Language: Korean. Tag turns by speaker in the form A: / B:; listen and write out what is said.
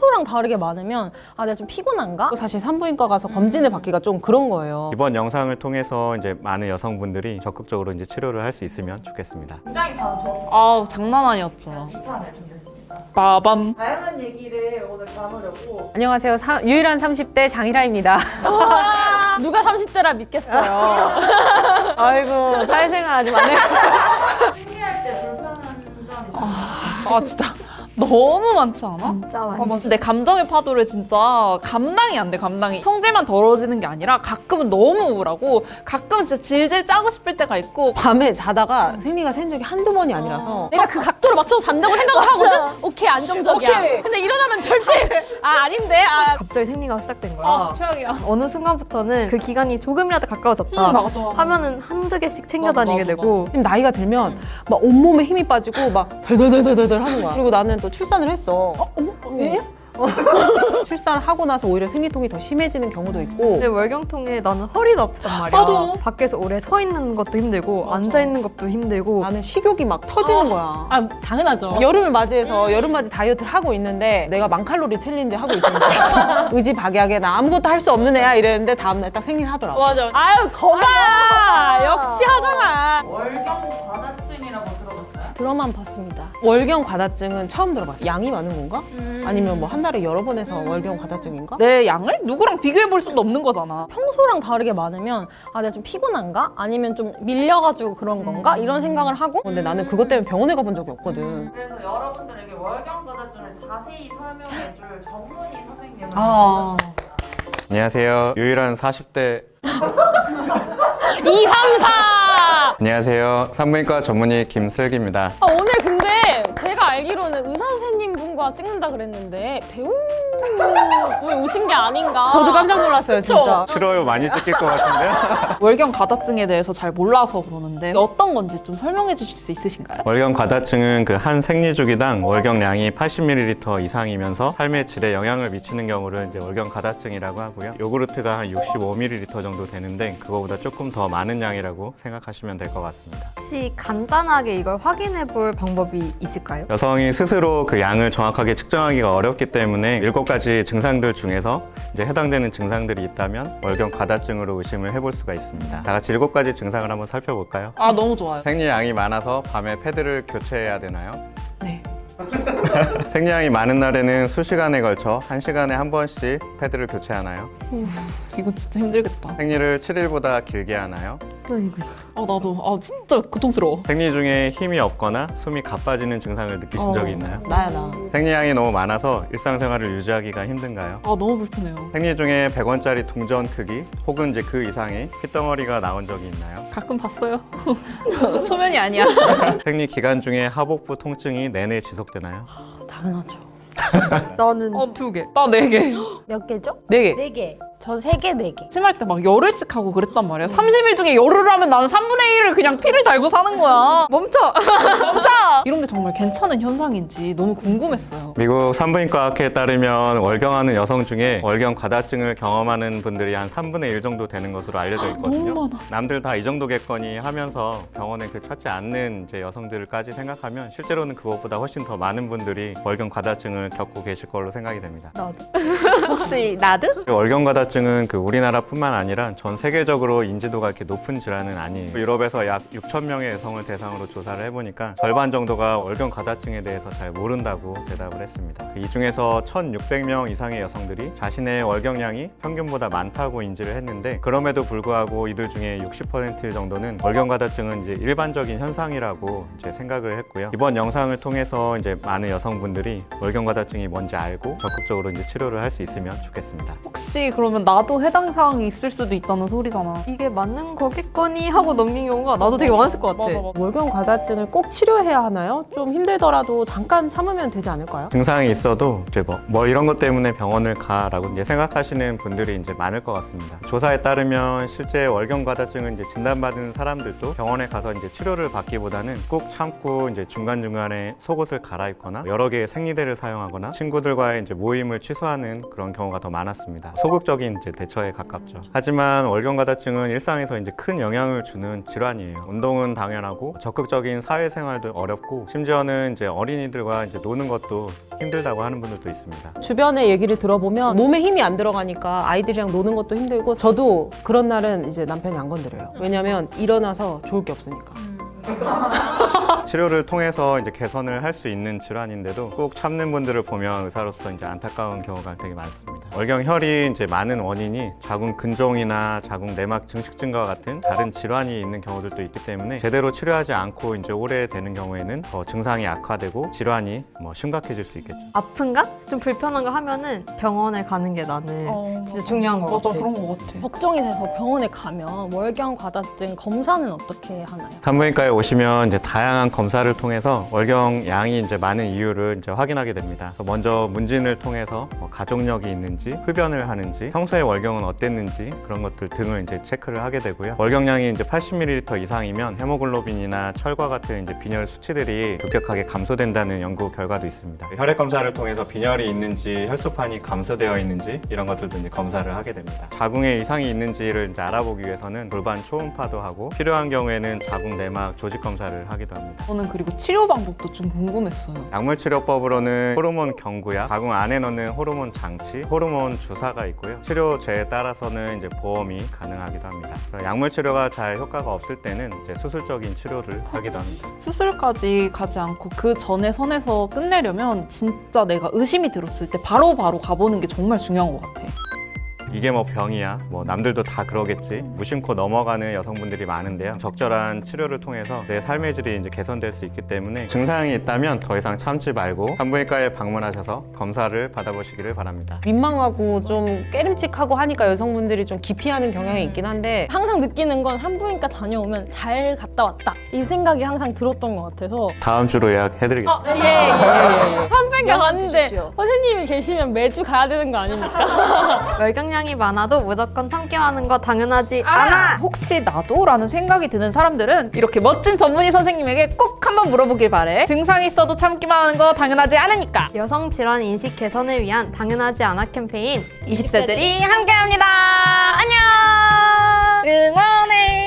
A: 평소랑 다르게 많으면 아 내가 좀 피곤한가?
B: 사실 산부인과 가서 검진을 받기가 좀 그런 거예요.
C: 이번 영상을 통해서 이제 많은 여성분들이 적극적으로 이제 치료를 할 수 있으면 좋겠습니다.
D: 굉장히 바로 좋았습니다.
E: 아우 장난 아니었죠.
D: 2탄을 준비했습니다.
E: 빠밤.
D: 다양한 얘기를 오늘 나누려고
B: 안녕하세요. 유일한 30대 장희라입니다.
A: 누가 30대라 믿겠어요.
B: 아이고 사회생활 아직 안 해.
D: 생리할 때 불편한 점이
E: 아 진짜 너무 많지 않아?
A: 진짜 많이.
E: 맞아. 내 감정의 파도를 진짜 감당이 안 돼, 감당이. 성질만 더러워지는 게 아니라 가끔은 너무 우울하고 가끔은 진짜 질질 짜고 싶을 때가 있고
B: 밤에 자다가 생리가 센 적이 한두 번이 아니라서
A: 내가 그 각도로 맞춰서 잔다고 생각을 하거든? 오케이 안정적이야.
B: 오케이.
A: 근데 일어나면 절대 아닌데?
F: 갑자기 생리가 시작된 거야.
E: 아 최악이야.
F: 어느 순간부터는 그 기간이 조금이라도 가까워졌다
E: 맞아.
F: 하면은 한두 개씩 챙겨 다니게
E: 맞아,
F: 되고
B: 지금 나이가 들면 막 온몸에 힘이 빠지고 막 덜덜덜덜덜 하는 거야. 그리고 나는 또 출산을 했어.
A: 예?
B: 출산을 하고 나서 오히려 생리통이 더 심해지는 경우도 있고
F: 근데 월경통에 나는 허리도 아프단 말이야.
E: 나도.
F: 밖에서 오래 서 있는 것도 힘들고
E: 맞아.
F: 앉아 있는 것도 힘들고
B: 나는 식욕이 막 터지는 거야.
A: 아 당연하죠.
B: 여름을 맞이해서 여름맞이 다이어트를 하고 있는데 내가 1000칼로리 챌린지 하고 있었는데 의지박약에 나 아무것도 할 수 없는 애야 이랬는데 다음날 딱 생리를 하더라고.
E: 맞아.
A: 아유 거봐. 역시 하잖아.
D: 월경 과다증이라고 들어봤어요?
A: 드라마만 봤습니다.
B: 월경 과다증은 처음 들어봤어. 양이 많은 건가? 아니면 뭐 한 달에 여러 번 해서 월경 과다증인가?
E: 내 양을 누구랑 비교해 볼 수도 없는 거잖아.
A: 평소랑 다르게 많으면 아 내가 좀 피곤한가? 아니면 좀 밀려가지고 그런 건가? 이런 생각을 하고
B: 근데 나는 그것 때문에 병원에 가본 적이 없거든.
D: 그래서 여러분들에게 월경 과다증을 자세히 설명해 줄 전문의 선생님을
B: 아.
C: 안녕하세요. 유일한 40대
A: 2, 3, 4!
C: 안녕하세요. 산부인과 전문의 김슬기입니다.
A: 아, 오늘 근데 제가 알기로는 의사 선생님 분과 찍는다 그랬는데 배우분이 오신 게 아닌가.
B: 저도 깜짝 놀랐어요, 진짜.
C: 싫어요. 많이 찍힐 것 같은데요.
E: 월경 과다증에 대해서 잘 몰라서 그러는데 어떤 건지 좀 설명해 주실 수 있으신가요?
C: 월경 과다증은 그 한 생리주기당 월경량이 80ml 이상이면서 삶의 질에 영향을 미치는 경우를 이제 월경 과다증이라고 하고요. 요구르트가 한 65ml 정도 되는데 그거보다 조금 더 많은 양이라고 생각하시면 될 것 같습니다.
F: 혹시 간단하게 이걸 확인해 볼 방법이 있을까요?
C: 여성이 스스로 그 양을 정확하게 측정하기가 어렵기 때문에 7가지 증상들 중에서 이제 해당되는 증상들이 있다면 월경 과다증으로 의심을 해볼 수가 있습니다. 다 같이 7가지 증상을 한번 살펴볼까요?
E: 아 너무 좋아요.
C: 생리양이 많아서 밤에 패드를 교체해야 되나요?
E: 네.
C: 생리양이 많은 날에는 수시간에 걸쳐 1시간에 한 번씩 패드를 교체하나요?
E: 이거 진짜 힘들겠다.
C: 생리를 7일보다 길게 하나요?
F: 나 이거 있어.
E: 아 나도 진짜 고통스러워.
C: 생리 중에 힘이 없거나 숨이 가빠지는 증상을 느끼신 적이 있나요?
B: 나야, 나.
C: 생리양이 너무 많아서 일상생활을 유지하기가 힘든가요?
E: 아 너무 불편해요.
C: 생리 중에 100원짜리 동전 크기 혹은 이제 그 이상의 핏덩어리가 나온 적이 있나요?
E: 가끔 봤어요. 초면이 아니야.
C: 생리 기간 중에 하복부 통증이 내내 지속되나요?
A: 당연하죠.
F: 나는
E: 2개. 나 4개.
A: 몇 개죠?
B: 4개.
A: 4개. 저 3개, 4개.
E: 심할 때 막 열흘씩 하고 그랬단 말이야. 30일 중에 열흘을 하면 나는 3분의 1을 그냥 피를 달고 사는 거야. 멈춰! 멈춰! 이런 게 정말 괜찮은 현상인지 너무 궁금했어요.
C: 미국 산부인과학회에 따르면 월경하는 여성 중에 월경 과다증을 경험하는 분들이 한 3분의 1 정도 되는 것으로 알려져 있거든요.
E: 너무 많아.
C: 남들 다 이 정도겠거니 하면서 병원에 그 찾지 않는 이제 여성들까지 생각하면 실제로는 그것보다 훨씬 더 많은 분들이 월경 과다증을 겪고 계실 걸로 생각이 됩니다.
E: 혹시 나드?
C: 월경 과다증은 그 우리나라뿐만 아니라 전 세계적으로 인지도가 이렇게 높은 질환은 아니에요. 유럽에서 약 6천 명의 여성을 대상으로 조사를 해보니까 절반 정도가 월경 과다증에 대해서 잘 모른다고 대답을 했습니다. 이 중에서 1,600명 이상의 여성들이 자신의 월경량이 평균보다 많다고 인지를 했는데 그럼에도 불구하고 이들 중에 60% 정도는 월경 과다증은 이제 일반적인 현상이라고 이제 생각을 했고요. 이번 영상을 통해서 이제 많은 여성분들이 월경 과다증이 뭔지 알고 적극적으로 이제 치료를 할 수 있으면 좋겠습니다.
E: 혹시 그러면 나도 해당 사항이 있을 수도 있다는 소리잖아.
F: 이게 맞는 거겠거니 하고 넘긴 경우가 나도 되게 많았을 것 같아.
B: 월경 과다증을 꼭 치료해야 하나요? 좀 힘들더라도 잠깐 참으면 되지 않을까요?
C: 증상이 있어도 이제 뭐 이런 것 때문에 병원을 가라고 이제 생각하시는 분들이 이제 많을 것 같습니다. 조사에 따르면 실제 월경 과다증을 이제 진단받은 사람들도 병원에 가서 이제 치료를 받기보다는 꾹 참고 이제 중간중간에 속옷을 갈아입거나 여러 개의 생리대를 사용하거나 친구들과의 이제 모임을 취소하는 그런 경우가 더 많았습니다. 소극적인 일반적인 이제 대처에 가깝죠. 하지만 월경 가다증은 일상에서 이제 큰 영향을 주는 질환이에요. 운동은 당연하고 적극적인 사회생활도 어렵고 심지어는 이제 어린이들과 이제 노는 것도 힘들다고 하는 분들도 있습니다.
B: 주변의 얘기를 들어보면 몸에 힘이 안 들어가니까 아이들이랑 노는 것도 힘들고 저도 그런 날은 이제 남편이 안 건드려요. 왜냐면 일어나서 좋을 게 없으니까.
C: 치료를 통해서 이제 개선을 할 수 있는 질환인데도 꼭 참는 분들을 보면 의사로서 이제 안타까운 경우가 되게 많습니다. 월경혈이 이제 많은 원인이 자궁 근종이나 자궁 내막 증식증과 같은 다른 질환이 있는 경우들도 있기 때문에 제대로 치료하지 않고 이제 오래 되는 경우에는 더 증상이 악화되고 질환이 심각해질 수 있겠죠.
F: 아픈가? 좀 불편한 거 하면은 병원에 가는 게 나는 진짜 중요한 거
E: 맞아,
F: 같아.
E: 그런 거 같아.
A: 걱정이 돼서 병원에 가면 월경 과다증 검사는 어떻게 하나요?
C: 산부인과에 오시면 이제 다양한 검사를 통해서 월경 양이 이제 많은 이유를 이제 확인하게 됩니다. 그래서 먼저 문진을 통해서 가족력이 있는지, 흡연을 하는지, 평소에 월경은 어땠는지 그런 것들 등을 이제 체크를 하게 되고요. 월경량이 이제 80ml 이상이면 헤모글로빈이나 철과 같은 이제 빈혈 수치들이 급격하게 감소된다는 연구 결과도 있습니다. 혈액 검사를 통해서 빈혈이 있는지, 혈소판이 감소되어 있는지 이런 것들도 이제 검사를 하게 됩니다. 자궁에 이상이 있는지를 이제 알아보기 위해서는 골반 초음파도 하고 필요한 경우에는 자궁 내막 조직 검사를 하기도 합니다.
E: 저는 그리고 치료 방법도 좀 궁금했어요.
C: 약물치료법으로는 호르몬 경구약, 자궁 안에 넣는 호르몬 장치, 호르몬 주사가 있고요. 치료제에 따라서는 이제 보험이 가능하기도 합니다. 약물치료가 잘 효과가 없을 때는 이제 수술적인 치료를 하기도 합니다.
E: 수술까지 가지 않고 그 전에 선에서 끝내려면 진짜 내가 의심이 들었을 때 바로바로 가보는 게 정말 중요한 것 같아.
C: 이게 뭐 병이야, 뭐 남들도 다 그러겠지, 무심코 넘어가는 여성분들이 많은데요. 적절한 치료를 통해서 내 삶의 질이 이제 개선될 수 있기 때문에 증상이 있다면 더 이상 참지 말고 산부인과에 방문하셔서 검사를 받아보시기를 바랍니다.
B: 민망하고 좀 깨름칙하고 하니까 여성분들이 좀 기피하는 경향이 있긴 한데
A: 항상 느끼는 건 산부인과 다녀오면 잘 갔다 왔다 이 생각이 항상 들었던 것 같아서
C: 다음 주로 예약해드리겠습니다.
A: 산부인과 갔는데 선생님이 계시면 매주 가야 되는 거 아닙니까?
F: 월경량이 많아도 무조건 참기만 하는 거 당연하지 않아.
E: 혹시 나도? 라는 생각이 드는 사람들은 이렇게 멋진 전문의 선생님에게 꼭 한번 물어보길 바래. 증상이 있어도 참기만 하는 거 당연하지 않으니까.
F: 여성 질환 인식 개선을 위한 당연하지 않아 캠페인 20세들이 함께합니다. 안녕.
E: 응원해.